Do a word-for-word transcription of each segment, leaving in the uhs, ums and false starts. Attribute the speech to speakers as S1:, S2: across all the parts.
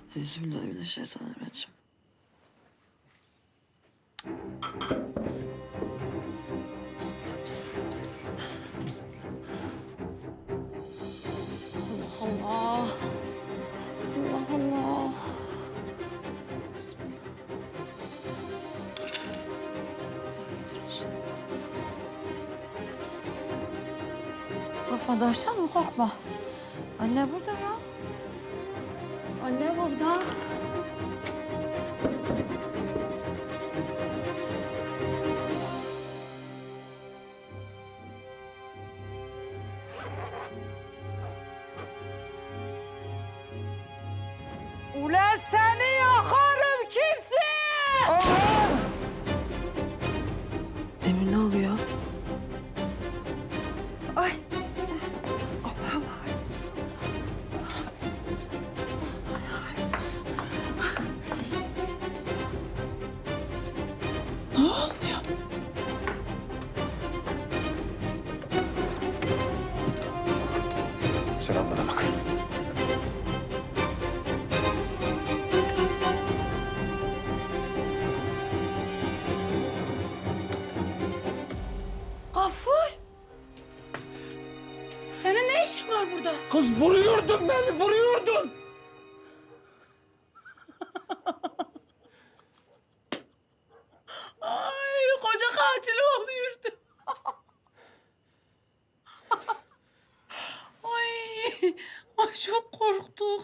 S1: Bismillahirrahmanirrahim.
S2: Allah Allah. Allah Allah. Korkma Davşanım, korkma. Anne burada ya. Anne burada.
S3: Ulan seni yakarım kimsin?
S1: Demir ne oluyor?
S3: Ay.
S1: Ne oluyor?
S4: Sen bana bak.
S3: Gafur. Senin ne işin var burada?
S4: Kız vuruyordun beni, vuruyordun.
S3: Ay koca katil oluyordu. Ay, ay çok korktuk.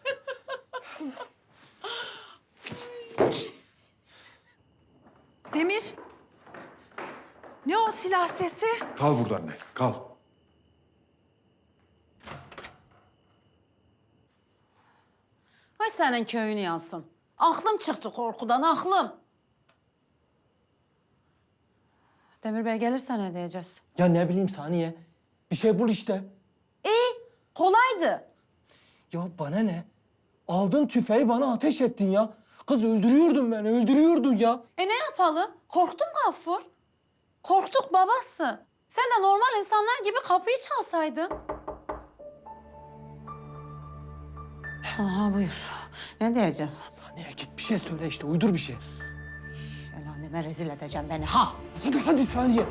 S3: Demir. Ne o silah sesi?
S4: Kal burada anne, kal.
S2: Ay senin köyünü yansın. Aklım çıktı korkudan, aklım. Demir Bey gelirse ne diyeceğiz?
S5: Ya ne bileyim Saniye. Bir şey bul işte.
S2: Kolaydı.
S5: Ya bana ne? Aldın tüfeği bana ateş ettin ya. Kız öldürüyordun beni, öldürüyordun ya.
S2: E ne yapalım? Korktun Gaffur. Korktuk babası. Sen de normal insanlar gibi kapıyı çalsaydın. Aha buyur. Ne diyeceğim?
S5: Saniye git bir şey söyle işte, uydur bir şey.
S2: El aleme rezil edeceğim beni ha.
S5: Hadi hadi Saniye.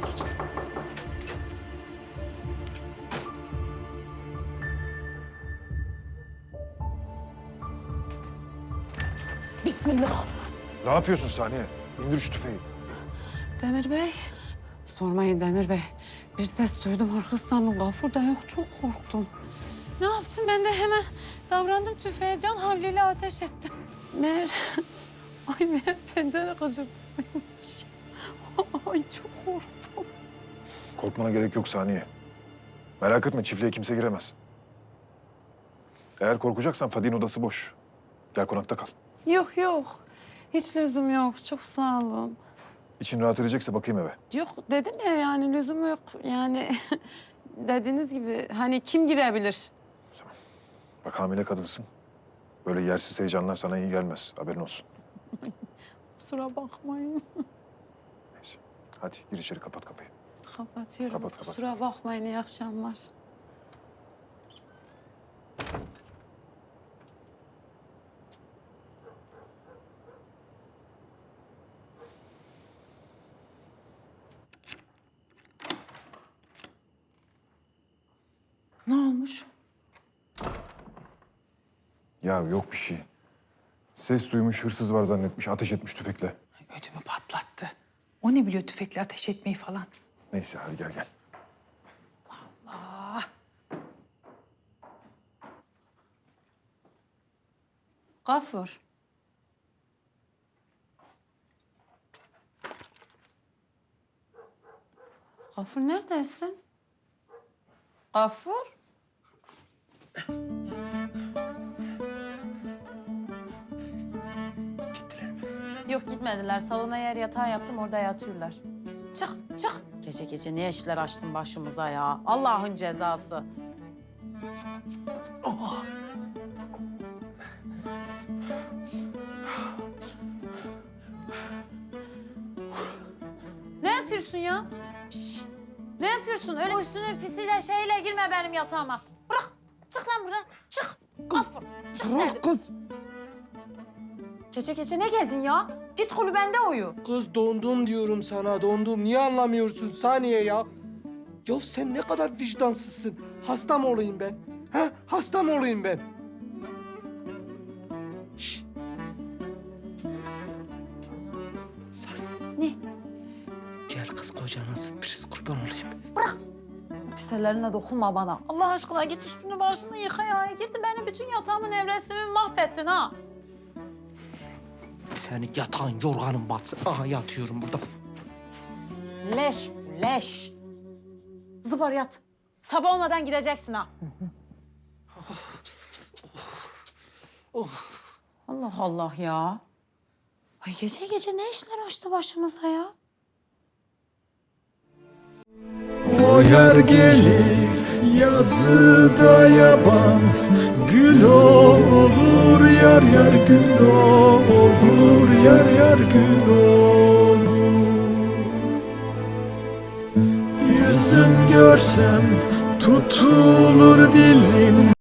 S2: Bismillah.
S4: Ne yapıyorsun Saniye? İndir şu tüfeği.
S2: Demir Bey. Sormayın Demir Bey. Bir ses duydum arka sandım. Gafur da yok. Çok korktum. Ne yaptım? Ben de hemen davrandım tüfeğe. Can havliyle ateş ettim. Meğer... Ay meğer pencere gıcırtısıymış. Ay çok korktum.
S4: Korkmana gerek yok Saniye. Merak etme, çiftliğe kimse giremez. Eğer korkacaksan Fadik'in odası boş. Gel konakta kal.
S2: Yok yok. Hiç lüzum yok. Çok sağ olun.
S4: İçin rahat edecekse bakayım eve.
S2: Yok dedim ya yani lüzum yok. Yani dediğiniz gibi hani kim girebilir?
S4: Bak hamile kadınsın. Böyle yersiz heyecanlar sana iyi gelmez. Haberin olsun.
S2: Kusura bakmayın.
S4: Neyse. Hadi gir içeri, kapat kapıyı.
S2: Kapatıyorum.
S4: Kapat, kapat.
S2: Kusura bakmayın. İyi akşamlar.
S3: Ne olmuş?
S4: Ya yok bir şey. Ses duymuş, hırsız var zannetmiş, ateş etmiş tüfekle.
S3: Ödümü patlattı. O ne biliyor tüfekle ateş etmeyi falan?
S4: Neyse hadi gel gel.
S3: Aa,
S2: Gafur. Gafur neredesin? Gafur? Yok gitmediler. Salona yer yatağı yaptım orada yatıyorlar. Çık çık. Gece gece ne işler açtın başımıza ya. Allah'ın cezası. Ne yapıyorsun ya? Şş, ne yapıyorsun? Öyle üstüne pisiyle şeyle girme benim yatağıma. Bırak. Çık lan buradan. Çık. Gafur. Çık dedim.
S5: Bırak kız.
S2: Gece gece ne geldin ya? Git kulübende uyu.
S5: Kız dondum diyorum sana, dondum. Niye anlamıyorsun Saniye ya? Ya sen ne kadar vicdansızsın. Hasta mı olayım ben? Ha? Hasta mı olayım ben? Şş. Saniye.
S2: Ne?
S5: Gel kız kocana sürpriz, kurban olayım.
S2: Pis ellerine dokunma bana. Allah aşkına git üstünü başını yıka ya. Girdi benim bütün yatağımın nevresimi mahvettin ha.
S5: Senin yatağın, yorganın batsın. Aha yatıyorum burada.
S2: Leş bu, leş. Zıbar yat. Sabah olmadan gideceksin ha. Allah Allah ya. Ay gece gece ne işler açtı başımıza ya?
S6: O yer gelir yazıda yaban, gül olur yar yar gül olur yar yar gül olur. Yüzüm görsem tutulur dilim.